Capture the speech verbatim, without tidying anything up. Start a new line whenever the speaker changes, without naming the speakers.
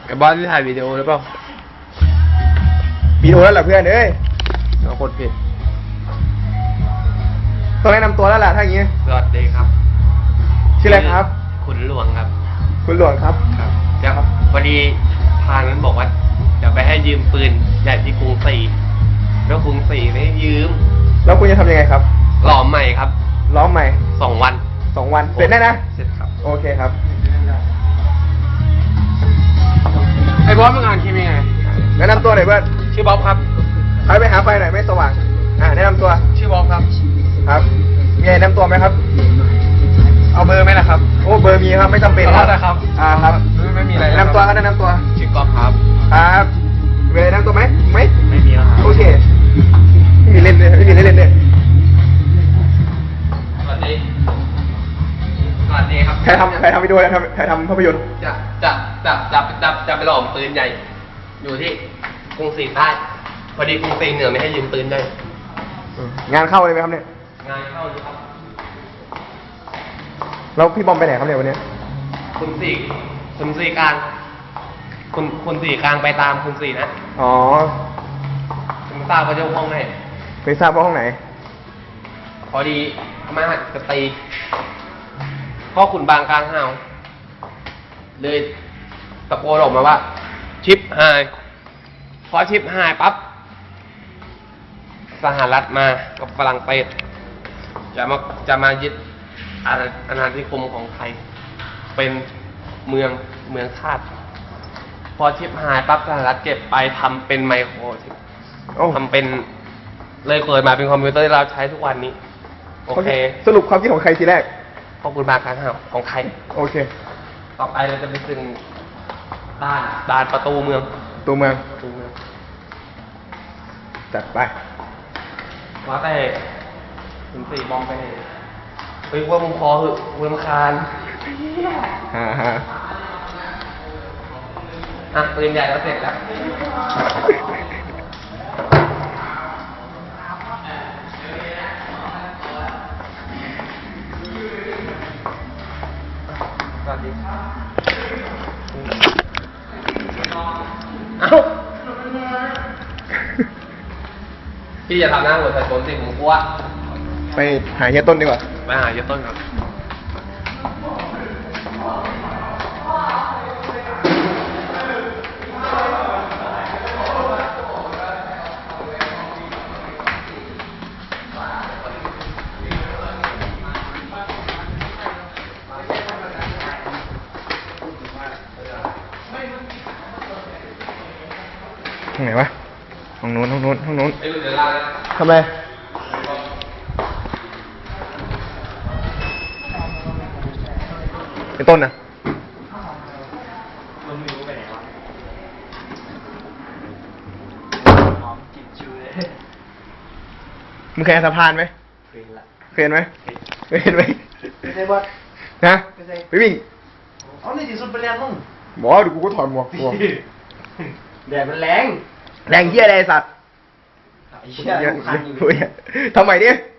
ไอ้บอสที่ถ่ายวิดีโอหรือเปล่า
วิดีโอแล้วเหรอเพื่อนเอ้ย
เราคนผิด
ต้องแนะนำตัวแล้วล่ะถ้าอย่างงี้
สวัสดีครับ
ชื่ออะไรครับ
ขุนหลวงครับ
คุณหลวงครับ
ครับเดี๋ยวครับพอดีพานนั้นบอกว่าจะไปให้ยืมปืนใหญ่ที่กรุงศรีแล้วกรุงศรีไม่ให้ยืม
แล้วคุณจะทำยังไงครับ
หล่อใหม่ครับ
ล้อมใหม่
สองวัน
สองวันเสร็จแน่นะ
เสร็จครับ
โอเคครับ
ไอ้บอสมึงอ่านคิมยังไง
แนะนำตัวหน่อยเพื่อน
ชื่อบ๊อบครับ
ใครไปหาไฟหน่อยไม่สว่างอ่าแนะนำตัว
ชื่อบ๊อบครับ
ครับมีอะไรแนะนำตัวไหมครับ
เอาเบอร์ไหมล่ะครับ
โอ้เบอร์มีครับไม่จำเป็น
ครับ
อ่าครับ
ไม่มีอะไร
แนะนำตัวครับแนะนำตัว
ชื่อกอล์ฟครับ
ครับมีอะไรแนะนำตัวไหมไหม
ไม่มีแล้วครับ
โอเคไม่มีเล่นเลยไม่มีเล่นเล่นเลย
สวัสดีสวัสดีครับ
ใครทำใครทำวิดีโอใครทำใครทำภาพยนตร์
จะจะจะจะจะจะไปหลอมปืนใหญ่อยู่ที่กรุงศรีใต้พอดีกรุงศรีเหนือไม่ให้ยืมปืนได้
งานเข้าเลยไหมครับเนี่ย
งานเข้าอยู่ครับ
แล้วพี่บอมไปไหนครับเนี่ยวันนี้
คุณสี่คุณสี่กลางคุณคุณสี่กลางไปตามคุณสี่นะ
อ๋อ
คุณทราบว่าเจ้าห้องไหน
ไม่ทราบว่าห้องไหน
พอดีมาหัดจะตีพ่อขุนบางกลางห้าวเลยตะโกนออกมาว่าชิปหายพอชิปหายปั๊บสหรัฐมากับฝรั่งเศสจะมาจะมายึดอาณานิคมของไทยเป็นเมืองเมืองชาติพอชิปหายปั๊บสหรัฐเก็บไปทำเป็นไมโครชิปทำเป็นเลยเกิดมาเป็นคอมพิวเตอร์ที่เราใช้ทุกวันนี้โอเค
สรุปความคิดของใครทีแรก
ขอบคุณบางครั้งครับของไทย
โอเค
ต่อไปเราจะไปถึงด่านด่านประตูเมือง
ตัวเมือง
ประตูเมือง
จัดไป
ว่าแต่ถึงสี่บอมไปเลยเฮ้ยว่ามึงพอเหอะมึงคาน
ฮ่าฮ่า
อ่ะปืนใหญ่แล้วเสร็จแล้วสวัสดีเอ้าพี่จะทำหน้าหัวใส่ต้นสิผมกลัว
ไปหาเฮียต้นดีกว่า
ไปหาเฮียต้นครับ
ห้องไหนวะห้องนู้นห้องนู้นห้องนู้นทำ
ไร
ไรไอ้ต้นนะ
มันไม่รู้ไปไหนวะหอมกลิ่นชูเลย
มึงเคยสะพานไหม
เคยละ
เคยเห็นไหมเคยเห็นไหม
ไม่ใช่บอส
นะไปวิ่ง
อ๋อนี่ที่สุดไปแล้วมึง
บอกเดี๋ยวกูก็ถอดหมวกกู
แดดมันแรง
แรงเหี้ยอะไรสัตว์ทำไมดิ